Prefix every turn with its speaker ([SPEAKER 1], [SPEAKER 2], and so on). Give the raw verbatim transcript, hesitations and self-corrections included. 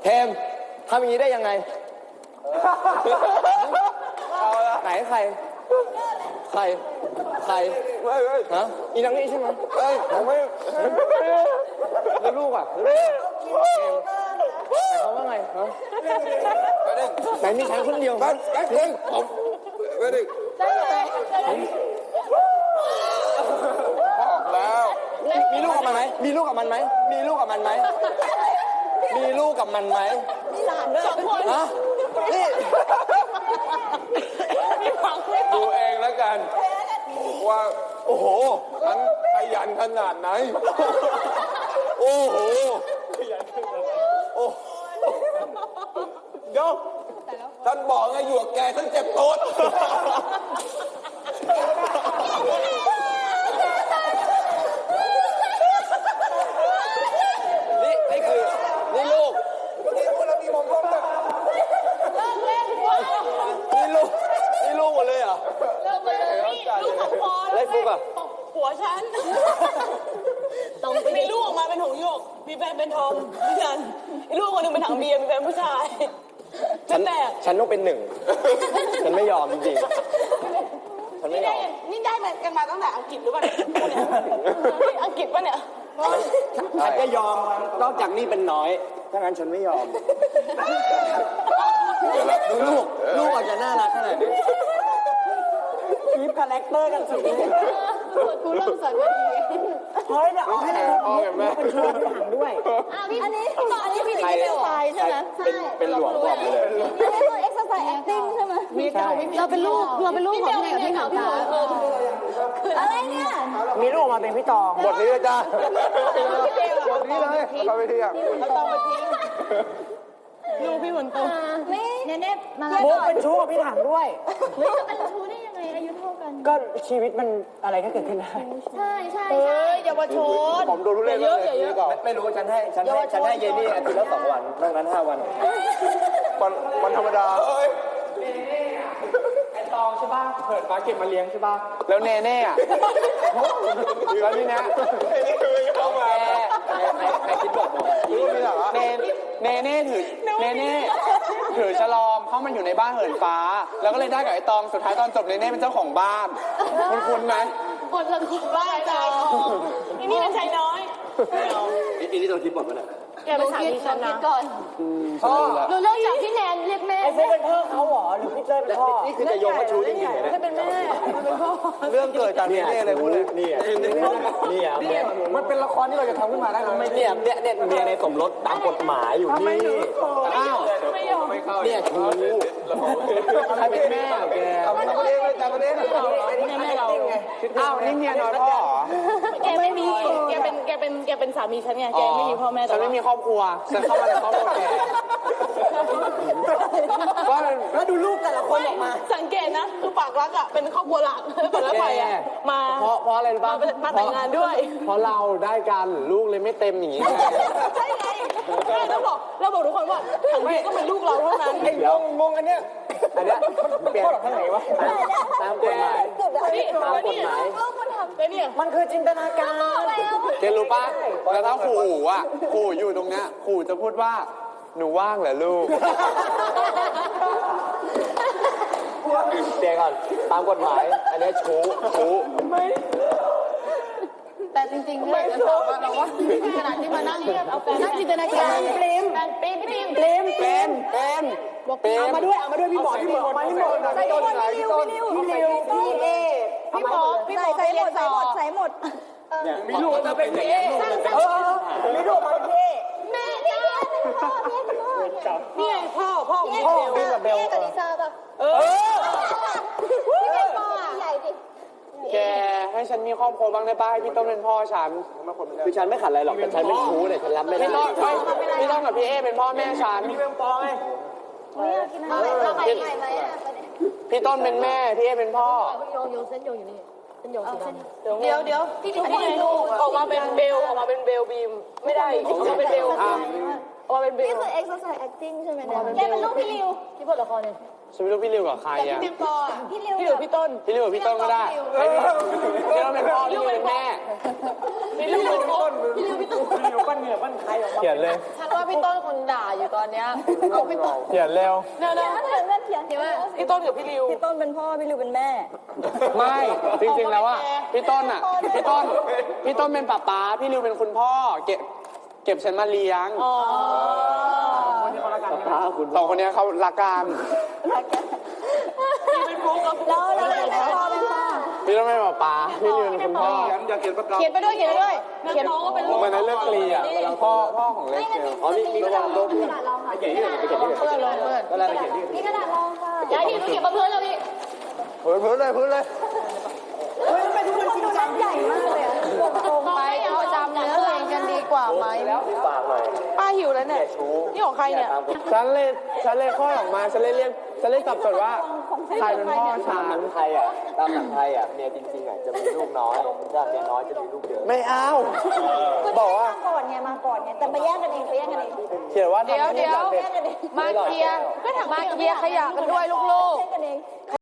[SPEAKER 1] เทมทำอย่างนี้ได้ยังไงไหนใครใครใครฮะอีนังนี่ใช่ไหมเฮ้ยผมไม่แล้วลูกอ่ะลูกแต่เขาว่าไงฮะไหนมีฉันคนเดียวกันกันเองผมไม่ได้บอกแล้วมีลูกกับมันไหมมีลูกกับมันไหมมีลูกกับมันไหมมีลูกกับมันไหมมีหลานด้วยสองคนฮะนี่ดูเองแล้วกันว่าโอ้โหฉันขยันขนาดไหนโอ้โหขยันขนาดไหนโอ้เดี๋ยวท่านบอกไงอยู่กับแกท่านเจ็บโต๊ดนี่นี่คือนี่ลูกเมื่อกี้คนเรามีมองกล้องเลยนี่ลูกนี่ลูกหมดเลยเหรอ
[SPEAKER 2] เลิกเลยลูกของพอแล้ว
[SPEAKER 1] ฟุกอ่ะ
[SPEAKER 2] ผัวฉันต้องมีลูกออกมาเป็นหงส์หยกมีแฟนเป็นทอมพี่ฉันลูกคนหนึ่งเป็นถังเบียร์มีแฟนผู้ชายฉันแตก
[SPEAKER 1] ฉันต้องเป็นหนึ่งฉันไม่ยอมจริงๆฉันไม่ยอม
[SPEAKER 2] นี่ได้มากันมาตั้งแต่อังกฤษหรือเปล่าอังกฤษป่ะเนี่ย
[SPEAKER 1] ฉันก็ยอมนอกจากนี่เป็นน้อยถ้างั้นฉันไม่ยอมดูลูกลูกอาจจะน่ารักขนาดนี้มีคาแรคเตอร์กันสุดเลย
[SPEAKER 2] กูเริ่มสอนมาดี
[SPEAKER 1] เฮ้ยเดี๋ยวเอาให้พ่อกับแม่เป็นช่วยถามด้วย
[SPEAKER 2] อันนี้อันนี้พี่เป็นสายใช่ไหมใช่
[SPEAKER 1] เป็นหลวงบอกไปเลย
[SPEAKER 2] อันนี้คือ exercise acting ใช่ไหมเราเป็นลูกเราเป็นลูกของพี่กับพี่ขาวตาอะไรเนี่ย
[SPEAKER 1] มีลูกมาเป็นพี่ตองบทนี้เลยจ้าบทนี้เลยเราไปที่อ่ะ
[SPEAKER 2] เราตองไปทิ้งลูกพี่ฝนตกนี่เนเน่มา
[SPEAKER 1] มุกเป็นชู้กับพี่ถังด้วย
[SPEAKER 2] ไม่จะเป็นชู้ได้ยังไงอายุเท่ากัน
[SPEAKER 1] ก็ชีวิตมันอะไรก็เกิดขึ้นได้
[SPEAKER 2] ใช่ใช่ใช่เยาวชน
[SPEAKER 1] ผมดูรู้เรื่องเยอะเยอะไม่รู้ฉันให้ฉันให้ฉันให้เยนี่อาทิตย์ละสองวันนอกนั้นห้าวันวันวันธรรมดาไอตองใช่ป่ะเปิดฟ้าเก็บมาเลี้ยงใช่ป่ะแล้วเนเน่อะแล้วนี่นะเอามาใครคิดบทบอกเนเนเน่ถือเนเน่ถือฉลอมเข้ามันอยู่ในบ้านเหินฟ้าแล้วก็เลยได้กับไอตองสุดท้ายตอนจบเนเน่เป็นเจ้าของบ้านคุณคุณไหม
[SPEAKER 2] บทละคุณบ้าใจนี่นี่เป็นชายน้อย
[SPEAKER 1] อีนี่ต้องคิดบทมั้ยเนี่ย
[SPEAKER 2] แกเป็นสามีฉันนะก่อนพ่อเราเลิกจากพี่แนนเรียกแม่
[SPEAKER 1] ไอ้เจ๊เป็นพ่อเขาหรอหรือพี่เจ๊เป็นพ่อนี่คือจะโยงมาชูจริงๆเนี่ย
[SPEAKER 2] เป็นแม่เป็นพ่อ
[SPEAKER 1] เรื่องเกิดจากนี่เลยพูดเลยนี่นี่อ่ะมันเป็นละครที่เราจะทำขึ้นมาได้ไหมเนี่ยเนี่ยเนี่ยเมียในสมรสตามกฎหมายอยู่นี่อ้าวเนี่ยชูใครเป็นแม่แกจำประเด็นจำประเด็น
[SPEAKER 2] แม่เรา
[SPEAKER 1] อ้าวนี่เมียน้อยพ่อ
[SPEAKER 2] แกไม่มีแกเป็นแกเป็นแกเป็นสามีฉันไงแกไม่มีพ่อแม่
[SPEAKER 1] ฉันไม่มีครอบครัวฉันเข้ามาในครอบครัวแกว่าแล้วดูลูกแต่ละคนออกมา
[SPEAKER 2] สังเกตนะคือปากรักอ่ะเป็นครอบครัวหลักแต่ละฝ่ายอ่ะมา
[SPEAKER 1] เพราะเพราะอะไรรู้ป่ะ
[SPEAKER 2] มาแต่งงานด้วย
[SPEAKER 1] เพราะเราได้กันลูกเลยไม่เต็มอย่างนี้
[SPEAKER 2] ใช่ไงเราบอกเราบอกทุกคนว่าทั้งนี้ก็เป็นลูกเราเท่านั้น
[SPEAKER 1] ไอ้งงงงอันเนี้ยอันเนี้ยเปลี่ยนข้างไหนวะตามกฎหมายตามกฎหมายมันคือจินตนาการเกรู้ป่ะแล้วถ้าครูอู๋อ่ะครูอยู่ตรงเนี้ยครูจะพูดว่าหนูว่างเหรอลูกเดี๋ยวก่อนตามกฎหมายอันนี้ชู้ชู้ไม่
[SPEAKER 2] แต่จริงๆเนี่ยจะถามว่าเราว่าขนาดที่มานั่งเอาแฟนนั่งจินตนาการเปรมเปรมพี่เปรม
[SPEAKER 1] เปรมเปรมเปรมเอามาด้วยเอามาด้วยพี่หมอพี่หมอมาพี่หมอใส่หมดพี่ริวพี่ริวพี่ริวพี่เอ
[SPEAKER 2] พี่หมอพี่หมอใส่หมดใส่หมดใส่หมด
[SPEAKER 1] มีลูกมาเป็นพี่เอเออมีลูกมาเป็นพี่เอ
[SPEAKER 2] แม่พี่เอเป็นพ่อแม่เป็นพ่อนี่ไงพ่อพ่อ
[SPEAKER 1] พ่อพี่กับเบล
[SPEAKER 2] กับลิซ่าป่ะเออพี่เป็นพ่อใหญ่ดิ
[SPEAKER 1] แกให้ฉันมีครอบครัวบ้างได้ป่ะให้พี่ต้นเป็นพ่อฉันคือฉันไม่ขัดอะไรหรอกแต่ฉันเป็นชู้เนี่ยฉันรับไม่ได้พี่ต้นพี่ต้นกับพี่เอเป็นพ่อแม่ฉันพี่เป็นพ่อไงพี่ต้นเป็นแม่พี่เอเป็นพ่อ
[SPEAKER 2] โยงโยงเส้นโยงอยู่นี่เส้นโยงสีดำเดี๋ยวเดี๋ยวพี่ทุกคนดูออกมาเป็นเบลออกมาเป็นเบลบีมไม่ได้ออกมาเป็นเบลออกมาเป็นบิ
[SPEAKER 3] นี่
[SPEAKER 2] ว
[SPEAKER 3] คือ exercise acting ใช่ไหมเนี่ยเล่นเป็นลูกพี่ริวที่บทละครเนี่ย
[SPEAKER 1] ฉันไม่รู้พี่ริวกับใคร
[SPEAKER 2] แต่
[SPEAKER 1] อ่ะ
[SPEAKER 2] พี่เพียงปออ่ะ
[SPEAKER 3] พี่ริว
[SPEAKER 2] พี่หรือพี่ต้น
[SPEAKER 1] พี่ริวกับพี่ต้นก็ได้พี่ริวเป็นพ่อพี่ริวเป็นแม่
[SPEAKER 2] พี่ริวเป็นต้นพี่ริวพี่ต้น
[SPEAKER 1] เขียนเลย
[SPEAKER 2] ฉันว่าพี่ต้นคนด่าอยู่ตอนเนี้ยเอาพี่ต้น
[SPEAKER 1] เขียนเร็ว
[SPEAKER 2] เดี๋ยว
[SPEAKER 3] เดี๋
[SPEAKER 2] นะ
[SPEAKER 3] ยวเดี๋ยวเล่นเขียนเขียนว่า
[SPEAKER 2] พี่ต้นกับพี่ริว
[SPEAKER 3] พี่ต้นเป็นพ่อพี่ริวเป็นแม่
[SPEAKER 1] ไม่จริงๆแล้วอ่ะพี่ต้นอ่ะพี่ต้นพี่ต้นเป็นป้าป๊าพี่ริวเป็นคุณพ่อเก็บเก็บฉันมาเลี้ยง
[SPEAKER 2] อ๋อ
[SPEAKER 1] สองคนนี้เขารักกัน
[SPEAKER 2] เป็นฟุกกับ
[SPEAKER 3] แล้วแล้วเป็นพ่อเป็นพ่อ
[SPEAKER 1] พี่ต้นเป็นป้าป๊าพี่ริวเป็นคุณพ่อ
[SPEAKER 4] อยากเขียนประกาศ
[SPEAKER 2] เขียนไปด้วยเขียนไปด้วยเขียนน้องก็เป็นลูก
[SPEAKER 1] มันในเรื่องกลีอ่ะพ่อพ่อของเล
[SPEAKER 3] ไม่
[SPEAKER 1] ส
[SPEAKER 3] งั้น
[SPEAKER 1] เซ
[SPEAKER 3] มี
[SPEAKER 1] ล
[SPEAKER 3] อ๋อมีมีกระดาษรองค่ะกระดาษรองค่ะ
[SPEAKER 4] เขียนที่ไหนไปเขียนที่ไหน
[SPEAKER 2] เพื่อนลงเพื่อน
[SPEAKER 4] ก็แล้วไปเขียนที่
[SPEAKER 3] มีกระดาษรองค่ะ
[SPEAKER 2] ย้ายที่ต้องเขียนมาเพื่อนแล้วพี่
[SPEAKER 4] พื้นพื้นเลยพื้นเลย
[SPEAKER 3] เฮ้ยเป็นคนดูนั่นใหญ่มากเลยอ่ะตรงไปเอาจำเนื้อเพลงกันดีกว่าไหม
[SPEAKER 4] ฝากหน่อย
[SPEAKER 2] ป้าหิวแล้วเนี่ยนี่ของใครเนี่ย
[SPEAKER 1] ฉันเลยฉันเลยข้อออกมาฉันเลยเรียกฉันเลยสับสนว่าใครเป็นพ่อฉั
[SPEAKER 4] ตามหนั
[SPEAKER 1] น
[SPEAKER 4] งไทยอ่ะตามหนังไทยอ่ะเมียจริงๆอ่ะจะมีลูกน้อยถ้าเมียน้อยจะมีลูกเยอะ
[SPEAKER 1] ไม่เอา
[SPEAKER 3] บอกว่ามาก่อนไงมาก่อนไงแต่ไปแยกกันเองไปแยกกันเอง
[SPEAKER 1] เขียนว่าทำ
[SPEAKER 2] เดี๋ยว
[SPEAKER 1] ให้
[SPEAKER 2] เดี๋ยว
[SPEAKER 1] ลูกเด็ก
[SPEAKER 3] แยกกันเอง
[SPEAKER 2] มาเคลียร์มาเคลียร์ขยะกันด้วยลูก
[SPEAKER 3] แยกกันเอง